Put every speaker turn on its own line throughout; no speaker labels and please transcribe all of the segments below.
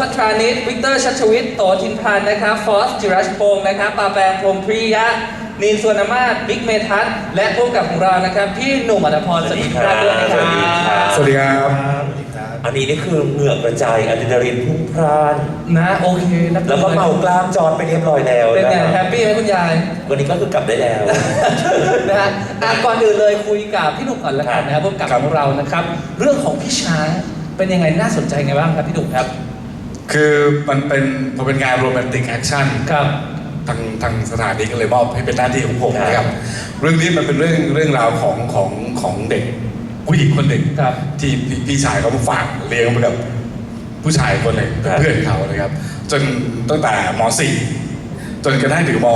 พัทรานิชวิกเตอร์ชัชวิทย์โตทินพันธ์นะครับฟอสจิรัชพงศ์นะครับปาแปงพรหมพริยะนีนสวนมาศบิ๊กเมทัศน์และผู้กำกับของเรานะครับพี่หนุ่มอัตภพรสวัสดีครับด้วยนะครับ
สวัสดีครับ
อันนี้นี่คือเหงื่อกระจายอะดรีนาลีนพุ่งพล่าน
นะโอเค
แล้วก็เมากล้ามจอดไปเรียบร้อยแล้ว
เป็นไงแฮปปี้ไหมคุณยาย
วันนี้ก็คือกลับได้แล้ว
นะฮะก่อนอื่นเลยคุยกับพี่หนุ่มก่อนละกันนะครับผู้กำกับของเรานะครับเรื่องของพี่ช้างเป็นยังไงน่าสนใจไงบ้างครับพี่หนุ่มครับ
คือมันเป็นงานโรแมนติกแอคชั่น
ครับ
ทางสถานีก็เลยมอบให้เป็นหน้าที่ของผมนะครับเรื่องนี้มันเป็นเรื่องราวของเด็กผู้หญิงคนหนึ่งที่พี่ชายเขาฝากเลี้ยงไปกับผู้ชายคนหนึ่งเป็นเพื่อนเขานะครับจนตั้งแต่ม .4 จนกระทั่งถึงม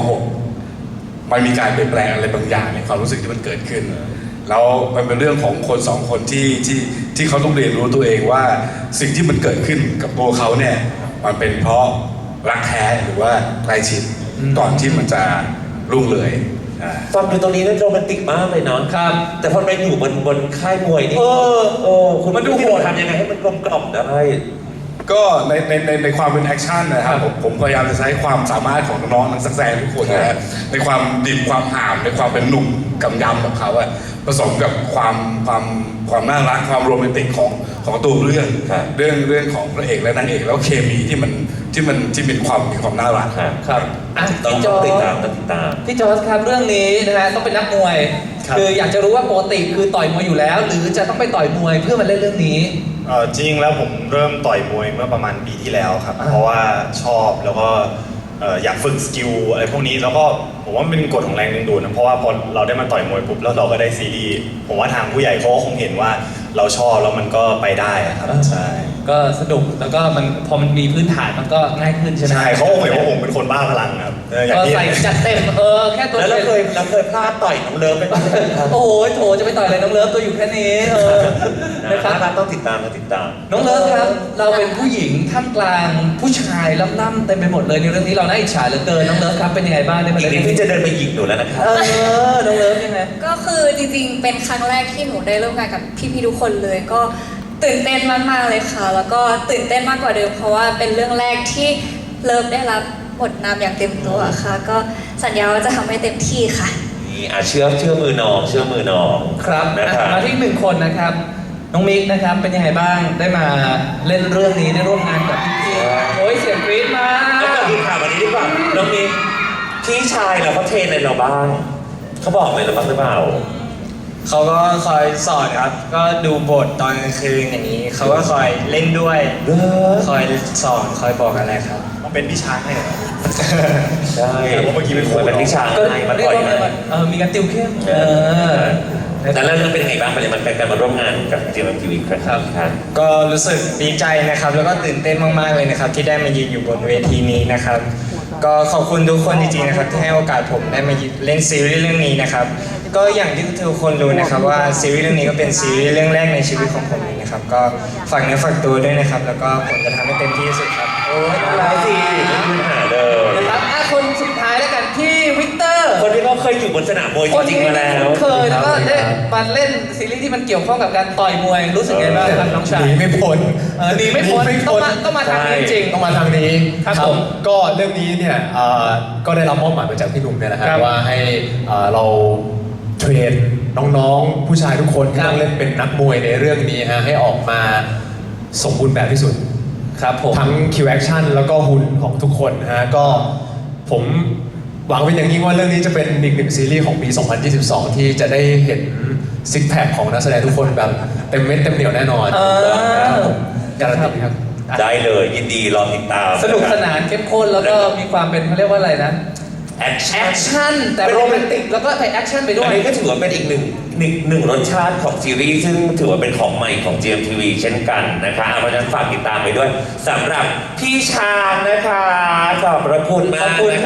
.6 มันมีการเปลี่ยนแปลงอะไรบางอย่างในความรู้สึกที่มันเกิดขึ้นแล้วมันเป็นเรื่องของคนสองคนที่เขาต้องเรียนรู้ตัวเองว่าสิ่งที่มันเกิดขึ้นกับตัวเขาเนี่ยมันเป็นเพราะรักแท้หรือว่าใกล้ชิดก่อนที่มันจะรุ่งเรือง
ฟังดูตรงนี้นั่นโรแมนติกมากเลยเนาะ
ครับ
แต่พอไปอยู่บนค่ายมวยนี่คุณมันดูโหดทำยังไงให้มันกลมกล่อมได้
ก็ในความเป็นแอคชั่นนะครับผมพยายามจะใช้ความสามารถของน้องๆนักแสดงทุกคนนะในความดิบความห่ามในความเป็นหนุ่มกำยำของเขาผสมกับความน่ารักความโรแมนติกของตัวเรื่องของพระเอกและนางเอกแล้วเคมีที่มีความน่ารัก
ครับ
ต้องติดตาม
พี่จอร์จครับเรื่องนี้นะฮะต้องเป็นนักมวยคืออยากจะรู้ว่าปกติคือต่อยมวยอยู่แล้ว หรือจะต้องไปต่อยมวยเพื่อมาเล่นเรื่องนี้
จริงแล้วผมเริ่มต่อยมวยเมื่อประมาณปีที่แล้วครับเพราะว่าชอบแล้วก็อยากฝึกสกิลอะไรพวกนี้แล้วก็ผมว่ามันเป็นกฎของแรงดึงดูดนะเพราะว่าพอเราได้มาต่อยมวยปุ๊บแล้วเราก็ได้ซีรีส์ผมว่าทางผู้ใหญ่เขาก็คงเห็นว่าเราชอบแล้วมันก็ไปได้ครับใช่
ก็สนุกแล้วก็มันพอมันมีพื้นฐานมันก็ง่ายขึ้นใช่ไหม
ใช่เขาเห็นว่าผมเป็นคนบ้าพลังครับ
ก็ใส่จัดเต็มแค่ตัว
แล้วเคยพลาดต่อยน้องเลิฟไป
โอ้โหโถจะไปต่อยอะไรน้องเลิฟตัวอยู่แค่นี้
นะครับต้องติดตาม
น้องเลิฟครับเราเป็นผู้หญิงท่ามกลางผู้ชายล่ำๆเต็มไปหมดเลยในเรื่องนี้เราน่าอิจฉาเหลือเกินน้องเลิฟครับเป็นยังไงบ้างใน
เรื่องนี้พี่จะเดินไปหยิกหนูแล้วนะครับ
น้องเลิฟยังไง
ก็คือจริงๆเป็นครั้งแรกที่หนูได้ร่วมงานกับพี่ๆทุกคนเลยก็ตื่นเต้นมากๆเลยค่ะแล้วก็ตื่นเต้นมากกว่าเดิมเพราะว่าเป็นเรื่องแรกที่เลิฟได้รับบทนำอย่างเต็มตัวค่ะก็สัญญาว่าจะทำให้เต็มที่ค่ะ
นี่เชื่อมือน้อง
ครับ
นะครับ
มาที่หนึ่งคนนะครับน้องมิกนะครับเป็นยังไงบ้างได้มาเล่นเรื่องนี้ได้ร่วมงานกับพี่ๆโอ้ยเสียงกรี๊ดมา
แล้วก็ดูข่าววันนี้ดีกว่าน้องมิกพี่ชายเราเขาเทรนในเราบ้างเขาบอกเลยเราบ้างหรือเปล่า
เขาก็คอยสอนครับก็ดูบทตอนกลางคืนอย่างนี้เขาก็คอยเล่นด้วยคอยสอนคอยบอกอะไรครับ
ต้องเป็นพี่ช้างให้เหรอ
ใช่
เพราะเมื่อกี้เป็น
พี่ช้างให้มาต่อย
มีการติวเข้ม
แต่แล้วเป็นยังไงบ้างมันเป็นการมาร่วมงานกับGMMTVครับ
ก็รู้สึกดีใจนะครับแล้วก็ตื่นเต้นมากๆเลยนะครับที่ได้มายืนอยู่บนเวทีนี้นะครับก็ขอบคุณทุกคนจริงๆนะครับที่ให้โอกาสผมได้มาเล่นซีรีส์เรื่องนี้นะครับก็อย่างที่ทุกคนรู้นะครับว่าซีรีส์เรื่องนี้ก็เป็นซีรีส์เรื่องแรกในชีวิตของผมนะครับก็ฝากเนื้อฝากตัวด้วยนะครับแล้วก็ผมจะทำให้เต็มที่ที่สุดครับ
โอ้ยอะไรสิ
ไม่มีปัญหาเลย
นะครับคนสุดท้ายแล้วกันพี่วิกเตอร์
คนที่เขาเคยอยู่บนสนามมวยจริงๆมาแล้ว
เคยแล้วก็ได้มาเล่นซีรีส์ที่มันเกี่ยวข้องกับการต่อยมวยรู้สึกไงบ้างครับน้องชาย
หนีไม่พ้น
ต้องมาทางนี้จริง
ต้องมาทางนี้
ครับผม
ก็เรื่องนี้เนี่ยก็ได้รับมอบหมายมาจากพี่หนุ่มเนี่ยนะฮะว่าให้เราเทรนน้องๆผู้ชายทุกคนที่ต้องเล่นเป็นนักมวยในเรื่องนี้ฮะให้ออกมาสมบูรณ์แบบที่สุด
ครับผม
ทั้งคิวแอคชั่นแล้วก็หุ่นของทุกคนฮะก็ผมหวังเป็นอย่างยิ่งว่าเรื่องนี้จะเป็นอีกหนึ่งซีรีส์ของปี 2022 ที่จะได้เห็นซิกแพคของนักแสดงทุกคนแบบเต็มเม็ดเต็มเหนียวแน่นอนการันตีครับ
ได้เลยยินดีรอติดตาม
สนุกสนานเข้มข้นแล้วก็มีความเป็นเขาเรียกว่าอะไรนะ
แอค
ชั่นแต่โรแมนติกแล้วก็ใส่แอคชั่นไปด้วย
อันนี้ก็ถือว่าเป็นอีกหนึ่งรสชาติของซีรีส์ซึ่งถือว่าเป็นของใหม่ของ GMMTV เช่นกันนะคะเพราะฉะนั้นฝากติดตามไปด้วยสำหรับพี่ช้างนะคะขอบพระคุณมาก
ขอบคุณ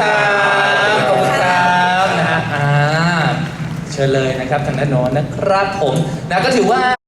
ครับนะฮะเชิญเลยนะครับทางด้านโน้นนะครับผมนะก็ถือว่า